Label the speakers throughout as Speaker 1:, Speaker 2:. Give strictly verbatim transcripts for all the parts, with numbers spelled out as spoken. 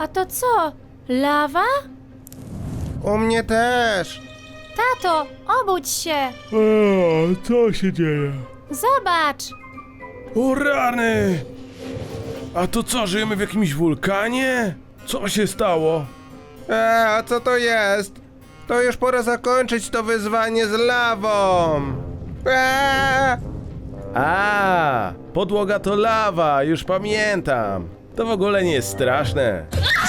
Speaker 1: A to co? Lawa?
Speaker 2: U mnie też.
Speaker 1: Tato, obudź się!
Speaker 3: O, co się dzieje?
Speaker 1: Zobacz!
Speaker 3: O rany! A to co, żyjemy w jakimś wulkanie? Co się stało?
Speaker 2: E, a co to jest? To już pora zakończyć to wyzwanie z lawą. E!
Speaker 3: A, podłoga to lawa, już pamiętam. To w ogóle nie jest straszne.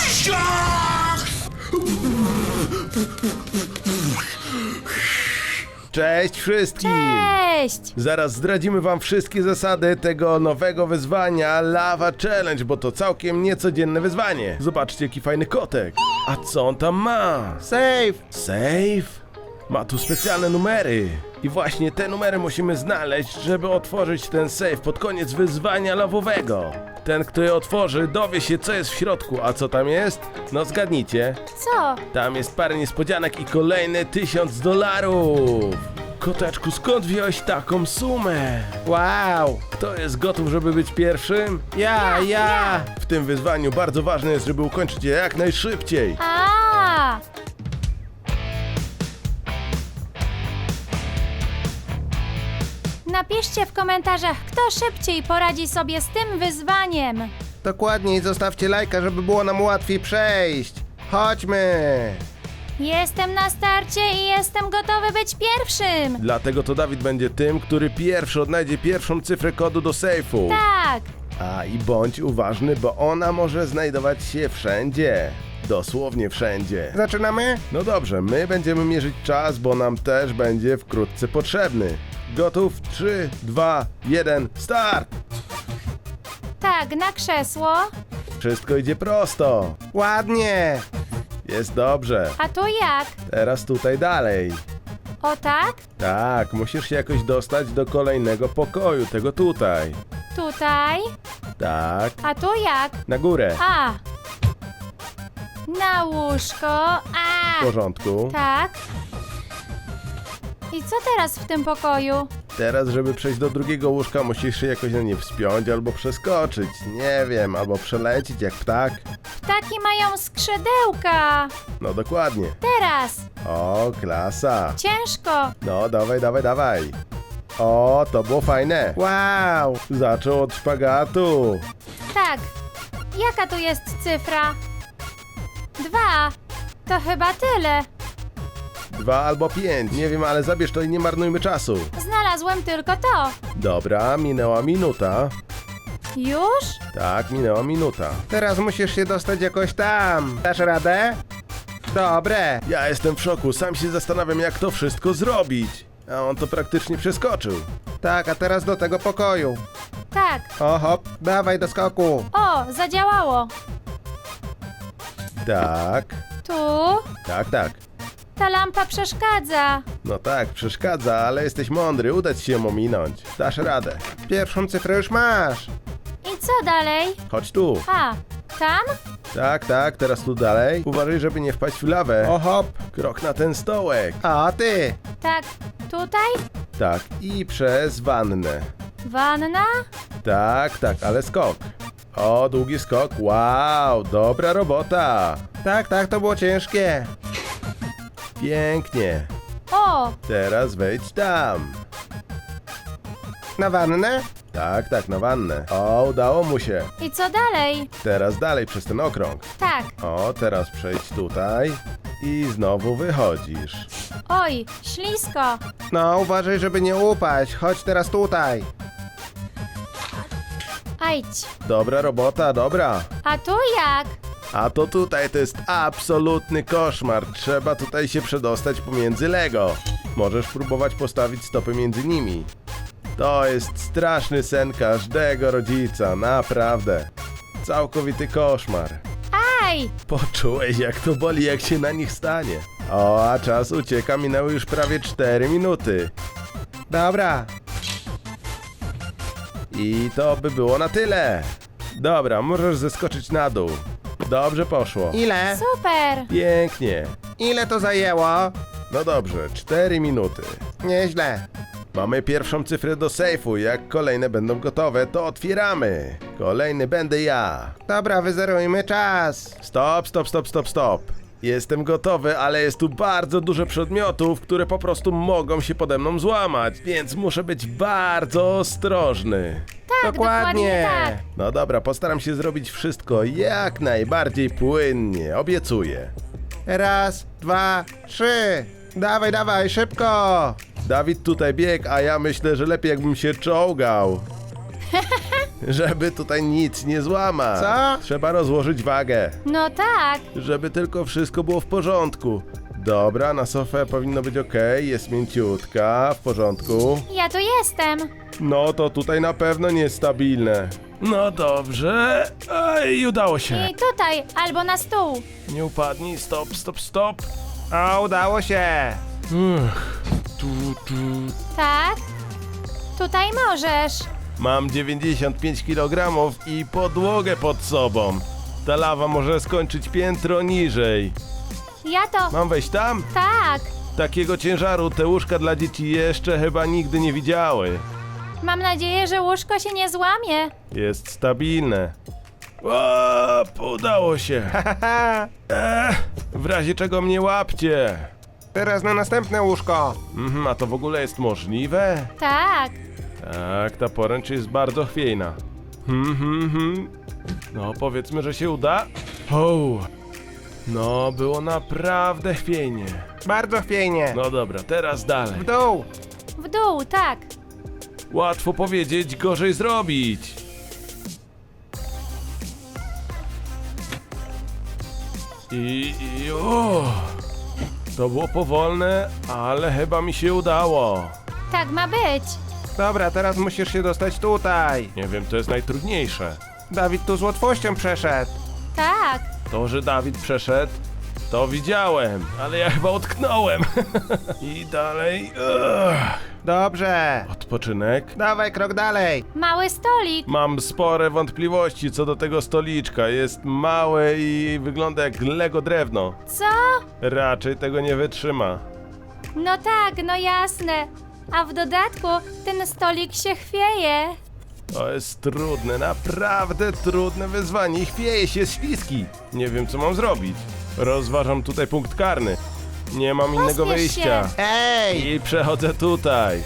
Speaker 3: Cześć wszystkim!
Speaker 1: Cześć!
Speaker 3: Zaraz zdradzimy wam wszystkie zasady tego nowego wyzwania Lava Challenge, bo to całkiem niecodzienne wyzwanie. Zobaczcie, jaki fajny kotek. A co on tam ma?
Speaker 2: Safe.
Speaker 3: Safe? Ma tu specjalne numery. I właśnie te numery musimy znaleźć, żeby otworzyć ten safe pod koniec wyzwania lawowego. Ten, kto je otworzy, dowie się, co jest w środku. A co tam jest? No zgadnijcie.
Speaker 1: Co?
Speaker 3: Tam jest parę niespodzianek i kolejne tysiąc dolarów. Koteczku, skąd wziąłeś taką sumę?
Speaker 2: Wow.
Speaker 3: Kto jest gotów, żeby być pierwszym?
Speaker 2: Ja, ja.
Speaker 3: W tym wyzwaniu bardzo ważne jest, żeby ukończyć je jak najszybciej.
Speaker 1: A! Napiszcie w komentarzach, kto szybciej poradzi sobie z tym wyzwaniem.
Speaker 2: Dokładnie i zostawcie lajka, żeby było nam łatwiej przejść. Chodźmy.
Speaker 1: Jestem na starcie i jestem gotowy być pierwszym.
Speaker 3: Dlatego to Dawid będzie tym, który pierwszy odnajdzie pierwszą cyfrę kodu do sejfu.
Speaker 1: Tak.
Speaker 3: A i bądź uważny, bo ona może znajdować się wszędzie. Dosłownie wszędzie.
Speaker 2: Zaczynamy?
Speaker 3: No dobrze, my będziemy mierzyć czas, bo nam też będzie wkrótce potrzebny. Gotów? trzy, dwa, jeden, start!
Speaker 1: Tak, na krzesło.
Speaker 3: Wszystko idzie prosto.
Speaker 2: Ładnie.
Speaker 3: Jest dobrze.
Speaker 1: A tu jak?
Speaker 3: Teraz tutaj dalej.
Speaker 1: O tak?
Speaker 3: Tak, musisz się jakoś dostać do kolejnego pokoju, tego tutaj.
Speaker 1: Tutaj?
Speaker 3: Tak,
Speaker 1: A tu jak?
Speaker 3: na górę.
Speaker 1: A. Na łóżko. A.
Speaker 3: W porządku.
Speaker 1: Tak. I co teraz w tym pokoju?
Speaker 3: Teraz, żeby przejść do drugiego łóżka, musisz się jakoś na nie wspiąć albo przeskoczyć. Nie wiem, albo przelecieć jak ptak.
Speaker 1: Ptaki mają skrzydełka.
Speaker 3: No dokładnie.
Speaker 1: Teraz.
Speaker 3: O, klasa.
Speaker 1: Ciężko.
Speaker 3: No, dawaj, dawaj, dawaj. O, to było fajne.
Speaker 2: Wow.
Speaker 3: Zaczął od szpagatu.
Speaker 1: Tak. Jaka tu jest cyfra? Dwa. To chyba tyle.
Speaker 3: Dwa albo pięć. Nie wiem, ale zabierz to i nie marnujmy czasu.
Speaker 1: Znalazłem tylko to.
Speaker 3: Dobra, minęła minuta.
Speaker 1: Już?
Speaker 3: Tak, minęła minuta.
Speaker 2: Teraz musisz się dostać jakoś tam. Dasz radę? Dobre.
Speaker 3: Ja jestem w szoku, sam się zastanawiam, jak to wszystko zrobić. A on to praktycznie przeskoczył.
Speaker 2: Tak, a teraz do tego pokoju.
Speaker 1: Tak.
Speaker 2: O hop, dawaj do skoku.
Speaker 1: O, zadziałało.
Speaker 3: Tak,
Speaker 1: Tu.
Speaker 3: tak, tak.
Speaker 1: Ta lampa przeszkadza.
Speaker 3: No tak, przeszkadza, ale jesteś mądry, uda ci się ją ominąć. Dasz radę.
Speaker 2: Pierwszą cyfrę już masz.
Speaker 1: I co dalej?
Speaker 3: Chodź tu.
Speaker 1: A, tam?
Speaker 3: Tak, tak, teraz tu dalej. Uważaj, żeby nie wpaść w lawę.
Speaker 2: O hop.
Speaker 3: Krok na ten stołek.
Speaker 2: A ty.
Speaker 1: Tak, tutaj?
Speaker 3: Tak, i przez wannę.
Speaker 1: Wanna?
Speaker 3: Tak, tak, ale skok. O, długi skok. Wow, dobra robota.
Speaker 2: Tak, tak, to było ciężkie.
Speaker 3: Pięknie.
Speaker 1: O,
Speaker 3: Teraz wejdź tam.
Speaker 2: Na wannę?
Speaker 3: Tak, tak, na wannę. O, udało mu się.
Speaker 1: i co dalej?
Speaker 3: Teraz dalej przez ten okrąg.
Speaker 1: Tak.
Speaker 3: O, teraz przejdź tutaj. I znowu wychodzisz.
Speaker 1: Oj, ślisko.
Speaker 2: No, uważaj, żeby nie upaść. Chodź teraz tutaj.
Speaker 1: Ajdź.
Speaker 3: Dobra robota, dobra.
Speaker 1: A tu jak?
Speaker 3: A to tutaj to jest absolutny koszmar. Trzeba tutaj się przedostać pomiędzy Lego. Możesz próbować postawić stopy między nimi. To jest straszny sen każdego rodzica, naprawdę. Całkowity koszmar.
Speaker 1: Aj!
Speaker 3: Poczułeś, jak to boli, jak się na nich stanie. O, a czas ucieka, minęły już prawie cztery minuty.
Speaker 2: Dobra.
Speaker 3: I to by było na tyle. Dobra, możesz zeskoczyć na dół. Dobrze poszło.
Speaker 2: Ile?
Speaker 1: Super!
Speaker 3: Pięknie.
Speaker 2: Ile to zajęło?
Speaker 3: No dobrze, cztery minuty.
Speaker 2: Nieźle.
Speaker 3: Mamy pierwszą cyfrę do sejfu. Jak kolejne będą gotowe, to otwieramy. Kolejny będę ja.
Speaker 2: Dobra, wyzerujmy czas.
Speaker 3: Stop, stop, stop, stop, stop. Jestem gotowy, ale jest tu bardzo dużo przedmiotów, które po prostu mogą się pode mną złamać, więc muszę być bardzo ostrożny.
Speaker 1: Tak, dokładnie tak.
Speaker 3: No dobra, postaram się zrobić wszystko jak najbardziej płynnie, obiecuję.
Speaker 2: Raz, dwa, trzy. Dawaj, dawaj, szybko.
Speaker 3: Dawid tutaj biegł, a ja myślę, że lepiej jakbym się czołgał. Żeby tutaj nic nie złamać.
Speaker 2: Co?
Speaker 3: Trzeba rozłożyć wagę,
Speaker 1: No tak.
Speaker 3: żeby tylko wszystko było w porządku. Dobra, na sofę powinno być ok, jest mięciutka, w porządku.
Speaker 1: Ja tu jestem.
Speaker 3: No to tutaj na pewno niestabilne. No dobrze. Ej, udało się.
Speaker 1: I tutaj, albo na stół.
Speaker 3: Nie upadnij, stop, stop, stop.
Speaker 2: A, udało się.
Speaker 3: Uch, tu, tu.
Speaker 1: Tak? Tutaj możesz.
Speaker 3: Mam dziewięćdziesiąt pięć kilogramów i podłogę pod sobą. Ta lawa może skończyć piętro niżej.
Speaker 1: Ja to...
Speaker 3: Mam wejść tam?
Speaker 1: Tak.
Speaker 3: Takiego ciężaru te łóżka dla dzieci jeszcze chyba nigdy nie widziały.
Speaker 1: Mam nadzieję, że łóżko się nie złamie.
Speaker 3: Jest stabilne. O, udało się.
Speaker 2: Haha.
Speaker 3: Ech, w razie czego mnie łapcie.
Speaker 2: Teraz na następne łóżko.
Speaker 3: Mhm, a to w ogóle jest możliwe?
Speaker 1: Tak.
Speaker 3: Tak, ta poręcz jest bardzo chwiejna. Hmm, hmm, hmm. No, powiedzmy, że się uda. O, no, było naprawdę chwiejnie.
Speaker 2: Bardzo chwiejnie.
Speaker 3: No dobra, teraz dalej.
Speaker 2: W dół.
Speaker 1: W dół, tak.
Speaker 3: Łatwo powiedzieć, gorzej zrobić. I, i o, to było powolne, ale chyba mi się udało.
Speaker 1: Tak ma być.
Speaker 2: Dobra, teraz musisz się dostać tutaj.
Speaker 3: Nie wiem, to jest najtrudniejsze.
Speaker 2: Dawid tu z łatwością przeszedł.
Speaker 1: Tak.
Speaker 3: To, że Dawid przeszedł, to widziałem, ale ja chyba utknąłem. I dalej. Ugh.
Speaker 2: Dobrze.
Speaker 3: Odpoczynek.
Speaker 2: Dawaj krok dalej.
Speaker 1: Mały stolik.
Speaker 3: Mam spore wątpliwości co do tego stoliczka. Jest małe i wygląda jak Lego drewno.
Speaker 1: Co?
Speaker 3: Raczej tego nie wytrzyma.
Speaker 1: No tak, no jasne. A w dodatku ten stolik się chwieje.
Speaker 3: To jest trudne, naprawdę trudne wyzwanie. I chwieje się, jest śliski. Nie wiem, co mam zrobić. Rozważam tutaj punkt karny. Nie mam innego
Speaker 1: Pospiesz
Speaker 3: wyjścia.
Speaker 1: się.
Speaker 2: Ej!
Speaker 3: I przechodzę tutaj.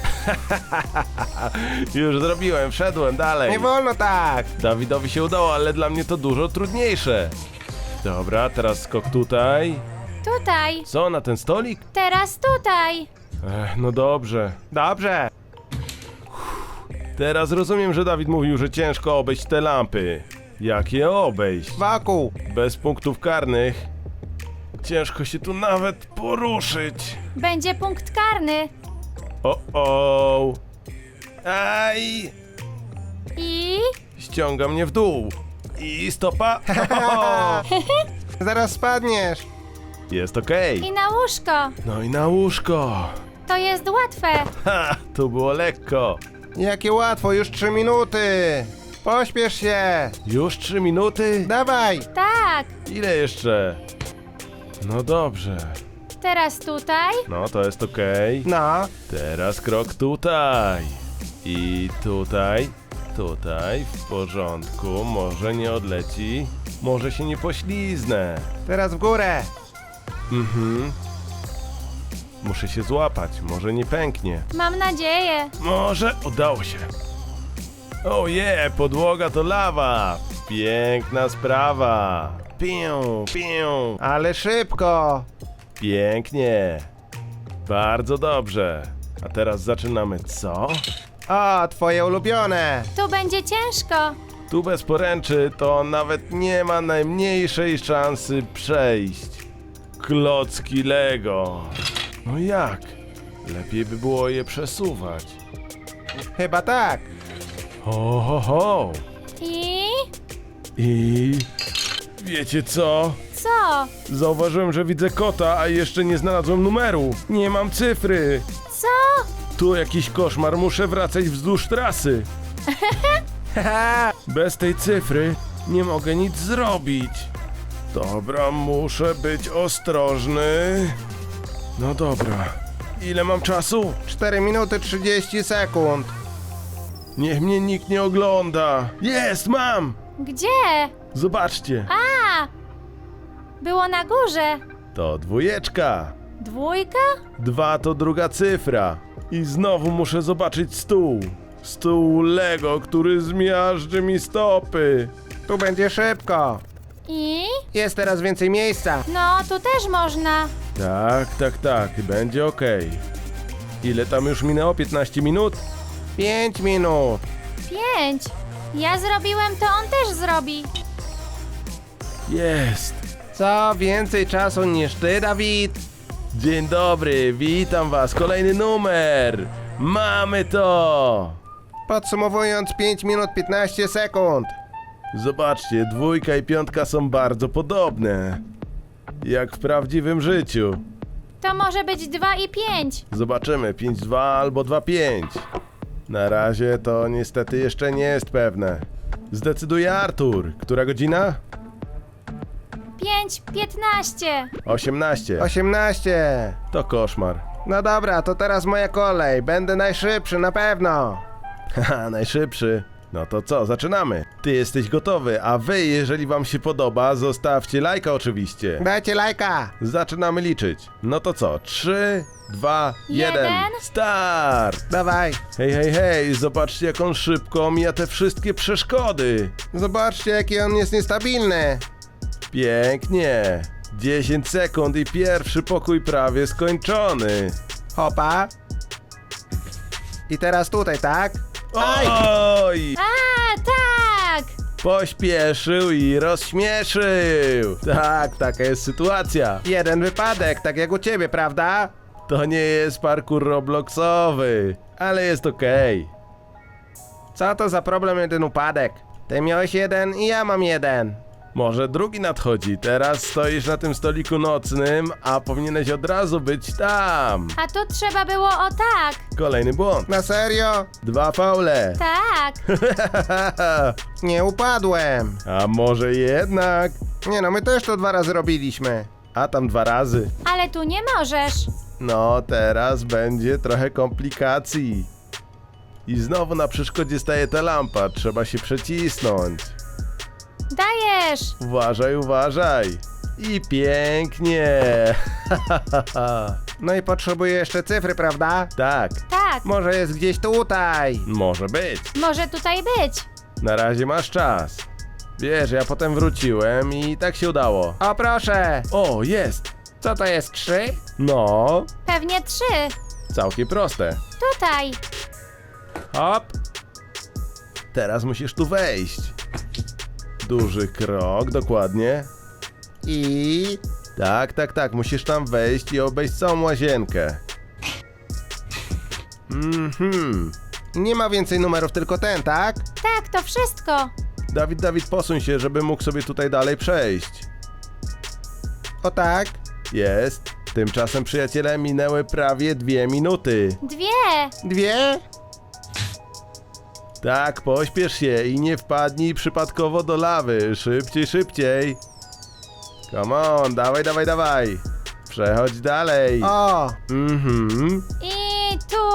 Speaker 3: Już zrobiłem, wszedłem dalej.
Speaker 2: Nie wolno tak.
Speaker 3: Dawidowi się udało, ale dla mnie to dużo trudniejsze. Dobra, teraz skok tutaj.
Speaker 1: Tutaj.
Speaker 3: Co, na ten stolik?
Speaker 1: Teraz tutaj.
Speaker 3: Ech, no dobrze.
Speaker 2: Dobrze.
Speaker 3: Teraz rozumiem, że Dawid mówił, że ciężko obejść te lampy. Jak je obejść?
Speaker 2: Wokół.
Speaker 3: Bez punktów karnych. Ciężko się tu nawet poruszyć.
Speaker 1: Będzie punkt karny.
Speaker 3: O, o. Aj!
Speaker 1: I...
Speaker 3: Ściąga mnie w dół. I stopa. O,
Speaker 2: Zaraz spadniesz.
Speaker 3: jest okej.
Speaker 1: I na łóżko.
Speaker 3: No i na łóżko.
Speaker 1: To jest łatwe.
Speaker 3: Ha, tu było lekko.
Speaker 2: Jakie łatwo, już trzy minuty. Pośpiesz się.
Speaker 3: Już trzy minuty?
Speaker 2: Dawaj.
Speaker 1: Tak.
Speaker 3: Ile jeszcze? No dobrze.
Speaker 1: Teraz tutaj.
Speaker 3: No to jest okej.
Speaker 2: No.
Speaker 3: Teraz krok tutaj. I tutaj. Tutaj. W porządku. Może nie odleci. Może się nie pośliznę.
Speaker 2: Teraz w górę.
Speaker 3: Mhm. Muszę się złapać. Może nie pęknie.
Speaker 1: Mam nadzieję.
Speaker 3: Może udało się. Oje, podłoga to lawa. Piękna sprawa. Pię, pię.
Speaker 2: Ale szybko.
Speaker 3: Pięknie. Bardzo dobrze. A teraz zaczynamy co?
Speaker 2: O, twoje ulubione.
Speaker 1: Tu będzie ciężko.
Speaker 3: Tu bez poręczy to nawet nie ma najmniejszej szansy przejść. Klocki Lego. No jak? Lepiej by było je przesuwać.
Speaker 2: Chyba tak.
Speaker 3: Ho, ho, ho.
Speaker 1: I...
Speaker 3: I... Wiecie co?
Speaker 1: Co?
Speaker 3: Zauważyłem, że widzę kota, a jeszcze nie znalazłem numeru. Nie mam cyfry.
Speaker 1: Co?
Speaker 3: Tu jakiś koszmar, muszę wracać wzdłuż trasy.
Speaker 2: Haha.
Speaker 3: Bez tej cyfry nie mogę nic zrobić. Dobra, muszę być ostrożny. No dobra. Ile mam czasu?
Speaker 2: cztery minuty trzydzieści sekund.
Speaker 3: Niech mnie nikt nie ogląda. Jest, mam!
Speaker 1: Gdzie?
Speaker 3: Zobaczcie.
Speaker 1: A! Było na górze.
Speaker 3: To dwójeczka.
Speaker 1: Dwójka?
Speaker 3: Dwa to druga cyfra. I znowu muszę zobaczyć stół. Stół Lego, który zmiażdży mi stopy.
Speaker 2: Tu będzie szybko.
Speaker 1: I?
Speaker 2: Jest teraz więcej miejsca.
Speaker 1: No, tu też można.
Speaker 3: Tak, tak, tak. Będzie okej. Ile tam już minęło? piętnaście minut?
Speaker 2: pięć minut.
Speaker 1: Pięć. Ja zrobiłem, to on też zrobi.
Speaker 3: Jest.
Speaker 2: Co więcej czasu niż ty, Dawid?
Speaker 3: Dzień dobry, witam was. Kolejny numer. Mamy to.
Speaker 2: Podsumowując, pięć minut piętnaście sekund.
Speaker 3: Zobaczcie, dwójka i piątka są bardzo podobne. Jak w prawdziwym życiu.
Speaker 1: To może być dwa i pięć.
Speaker 3: Zobaczymy, pięć dwa albo dwa pięć. Na razie to niestety jeszcze nie jest pewne. Zdecyduje Artur. Która godzina?
Speaker 1: Pięć, piętnaście.
Speaker 3: osiemnaście.
Speaker 2: osiemnaście.
Speaker 3: To koszmar.
Speaker 2: No dobra, to teraz moja kolej. Będę najszybszy, na pewno.
Speaker 3: Haha, najszybszy. No to co, zaczynamy. Ty jesteś gotowy, a wy, jeżeli wam się podoba, zostawcie lajka oczywiście.
Speaker 2: Dajcie lajka.
Speaker 3: Zaczynamy liczyć. No to co, trzy, dwa, jeden,
Speaker 1: Jeden.
Speaker 3: start!
Speaker 2: Dawaj.
Speaker 3: Hej, hej, hej, zobaczcie jak on szybko omija te wszystkie przeszkody.
Speaker 2: Zobaczcie, jaki on jest niestabilny.
Speaker 3: Pięknie. dziesięć sekund i pierwszy pokój prawie skończony.
Speaker 2: Hopa. I teraz tutaj, tak? Aj!
Speaker 3: Oj!
Speaker 1: A, tak!
Speaker 3: Pośpieszył i rozśmieszył. Tak, taka jest sytuacja.
Speaker 2: Jeden wypadek, tak jak u ciebie, prawda?
Speaker 3: To nie jest parkour robloxowy, ale jest okej.
Speaker 2: Co to za problem, jeden upadek? Ty miałeś jeden i ja mam jeden.
Speaker 3: Może drugi nadchodzi. Teraz stoisz na tym stoliku nocnym, a powinieneś od razu być tam.
Speaker 1: A tu trzeba było o tak.
Speaker 3: Kolejny błąd.
Speaker 2: Na serio?
Speaker 3: Dwa faule.
Speaker 1: Tak.
Speaker 2: Nie upadłem.
Speaker 3: A może jednak?
Speaker 2: Nie no, my też to dwa razy robiliśmy.
Speaker 3: A tam dwa razy.
Speaker 1: Ale tu nie możesz.
Speaker 3: No, teraz będzie trochę komplikacji. I znowu na przeszkodzie staje ta lampa. Trzeba się przecisnąć.
Speaker 1: Dajesz.
Speaker 3: Uważaj, uważaj. I pięknie.
Speaker 2: No i potrzebuję jeszcze cyfry, prawda?
Speaker 3: Tak,
Speaker 1: Tak.
Speaker 2: Może jest gdzieś tutaj.
Speaker 3: może być.
Speaker 1: Może tutaj być.
Speaker 3: Na razie masz czas. Wiesz, ja potem wróciłem i tak się udało.
Speaker 2: O proszę.
Speaker 3: O, jest.
Speaker 2: Co to jest, trzy?
Speaker 3: No,
Speaker 1: Pewnie trzy.
Speaker 3: całkiem proste.
Speaker 1: Tutaj.
Speaker 2: Hop.
Speaker 3: Teraz musisz tu wejść. Duży krok, dokładnie.
Speaker 2: I...
Speaker 3: Tak, tak, tak, musisz tam wejść i obejść całą łazienkę. Mhm.
Speaker 2: Nie ma więcej numerów, tylko ten, tak?
Speaker 1: Tak, to wszystko.
Speaker 3: Dawid, Dawid, posuń się, żeby mógł sobie tutaj dalej przejść.
Speaker 2: O tak.
Speaker 3: Jest. Tymczasem, przyjaciele, minęły prawie dwie minuty.
Speaker 1: Dwie.
Speaker 2: Dwie?
Speaker 3: Tak, pośpiesz się i nie wpadnij przypadkowo do lawy. Szybciej, szybciej. Come on, dawaj, dawaj, dawaj. Przechodź dalej.
Speaker 2: O.
Speaker 3: Mhm.
Speaker 1: I tu.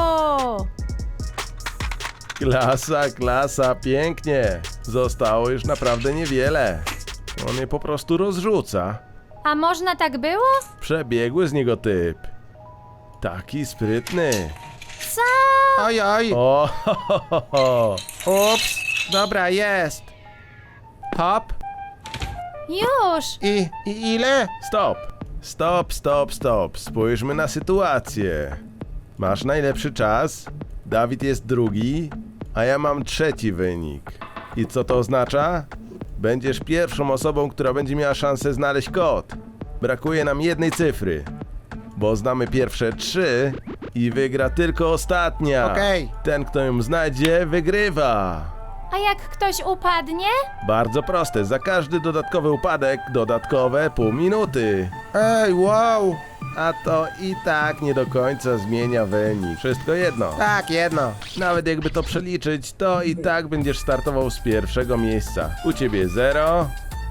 Speaker 3: Klasa, klasa, pięknie. Zostało już naprawdę niewiele. On je po prostu rozrzuca.
Speaker 1: A można tak było?
Speaker 3: Przebiegły z niego typ. Taki sprytny.
Speaker 1: Co?
Speaker 2: Oj, oj.
Speaker 3: O, ho, ho, ho, ho.
Speaker 2: Ups. Dobra, jest. Hop.
Speaker 1: Już.
Speaker 2: I... i ile?
Speaker 3: Stop. Stop, stop, stop. Spójrzmy na sytuację. Masz najlepszy czas, Dawid jest drugi, a ja mam trzeci wynik. I co to oznacza? Będziesz pierwszą osobą, która będzie miała szansę znaleźć kod. Brakuje nam jednej cyfry, bo znamy pierwsze trzy i wygra tylko ostatnia.
Speaker 2: Okej.
Speaker 3: Ten, kto ją znajdzie, wygrywa.
Speaker 1: A jak ktoś upadnie?
Speaker 3: Bardzo proste, za każdy dodatkowy upadek dodatkowe pół minuty.
Speaker 2: Ej, wow.
Speaker 3: A to i tak nie do końca zmienia wynik. Wszystko jedno.
Speaker 2: Tak, jedno.
Speaker 3: Nawet jakby to przeliczyć, to i tak będziesz startował z pierwszego miejsca. U ciebie zero,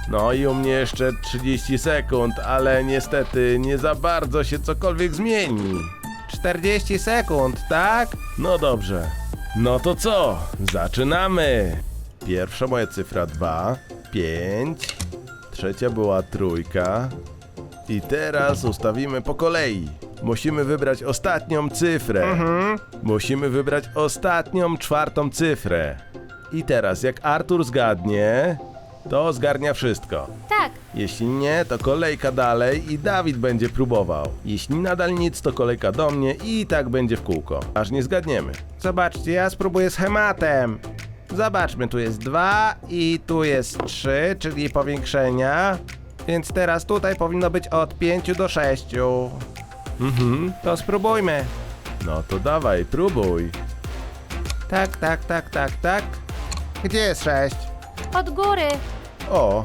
Speaker 3: No i u mnie jeszcze trzydzieści sekund, ale niestety nie za bardzo się cokolwiek zmieni.
Speaker 2: czterdzieści sekund, tak?
Speaker 3: No dobrze. No to co? Zaczynamy! Pierwsza moja cyfra dwa, pięć, trzecia była trójka. I teraz ustawimy po kolei. Musimy wybrać ostatnią cyfrę.
Speaker 2: Mhm.
Speaker 3: Musimy wybrać ostatnią, czwartą cyfrę. I teraz, jak Artur zgadnie, to zgarnia wszystko.
Speaker 1: Tak,
Speaker 3: Jeśli nie, to kolejka dalej i Dawid będzie próbował. Jeśli nadal nic, to kolejka do mnie i tak będzie w kółko, aż nie zgadniemy.
Speaker 2: Zobaczcie, ja spróbuję schematem. Zobaczmy, tu jest dwa i tu jest trzy, czyli powiększenia. Więc teraz tutaj powinno być od pięciu do sześciu.
Speaker 3: Mhm.
Speaker 2: To spróbujmy.
Speaker 3: No to dawaj, próbuj.
Speaker 2: Tak, tak, tak, tak, tak. Gdzie jest sześć?
Speaker 1: od góry.
Speaker 3: O,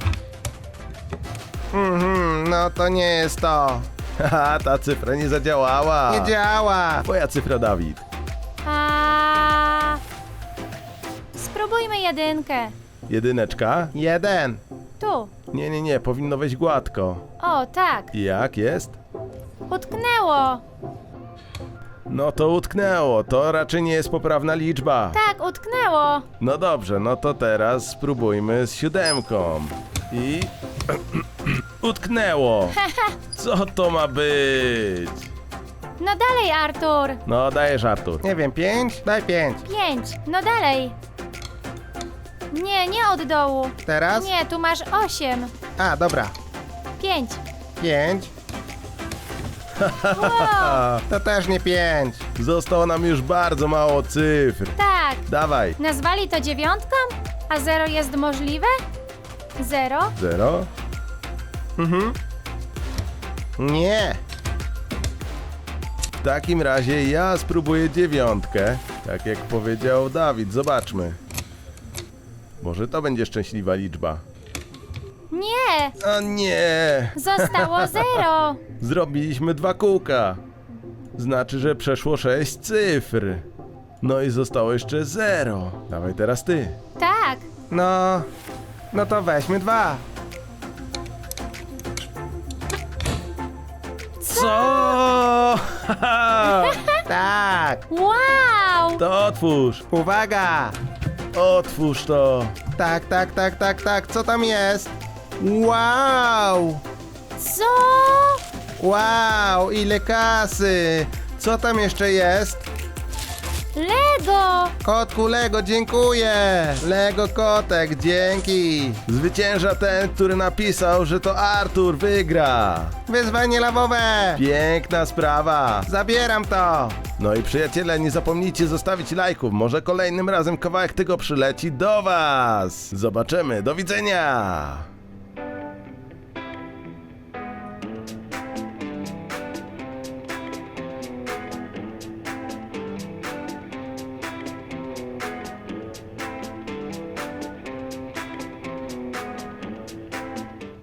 Speaker 2: Mhm, no to nie jest to.
Speaker 3: haha, ta cyfra nie zadziałała.
Speaker 2: Nie działa.
Speaker 3: Twoja cyfra, Dawid.
Speaker 1: A... Spróbujmy jedynkę.
Speaker 3: Jedyneczka?
Speaker 2: Jeden.
Speaker 1: Tu.
Speaker 3: Nie, nie, nie, powinno wejść gładko.
Speaker 1: O, tak.
Speaker 3: I jak jest?
Speaker 1: Utknęło.
Speaker 3: No to utknęło, to raczej nie jest poprawna liczba.
Speaker 1: Tak, utknęło.
Speaker 3: No dobrze, no to teraz spróbujmy z siódemką. I... utknęło. Co to ma być?
Speaker 1: No dalej, Artur.
Speaker 3: No dajesz, Artur.
Speaker 2: Nie wiem, pięć? Daj pięć.
Speaker 1: Pięć. No dalej. Nie, nie od dołu.
Speaker 2: Teraz?
Speaker 1: Nie, tu masz osiem.
Speaker 2: A, dobra.
Speaker 1: Pięć.
Speaker 2: Pięć.
Speaker 1: Wow,
Speaker 2: To też nie pięć.
Speaker 3: Zostało nam już bardzo mało cyfr.
Speaker 1: tak.
Speaker 3: Dawaj.
Speaker 1: Nazwali to dziewiątką? A zero jest możliwe? Zero?
Speaker 3: Zero?
Speaker 2: Mhm. Nie.
Speaker 3: W takim razie ja spróbuję dziewiątkę. Tak jak powiedział Dawid, zobaczmy. Może to będzie szczęśliwa liczba.
Speaker 1: Nie.
Speaker 3: O nie!
Speaker 1: Zostało zero.
Speaker 3: Zrobiliśmy dwa kółka. Znaczy, że przeszło sześć cyfr. No i zostało jeszcze zero. Dawaj teraz ty.
Speaker 1: Tak.
Speaker 2: No. No to weźmy dwa.
Speaker 3: Co?
Speaker 2: Tak.
Speaker 1: Wow.
Speaker 3: To otwórz.
Speaker 2: Uwaga.
Speaker 3: Otwórz to.
Speaker 2: Tak, tak, tak, tak, tak. Co tam jest? Wow.
Speaker 1: Co?
Speaker 2: Wow, ile kasy. Co tam jeszcze jest?
Speaker 1: Lego.
Speaker 2: Kotku Lego, dziękuję. Lego kotek, dzięki.
Speaker 3: Zwycięża ten, który napisał, że to Artur wygra.
Speaker 2: Wyzwanie lawowe.
Speaker 3: Piękna sprawa.
Speaker 2: Zabieram to.
Speaker 3: No i przyjaciele, nie zapomnijcie zostawić lajków. Może kolejnym razem kawałek tego przyleci do was. Zobaczymy. Do widzenia.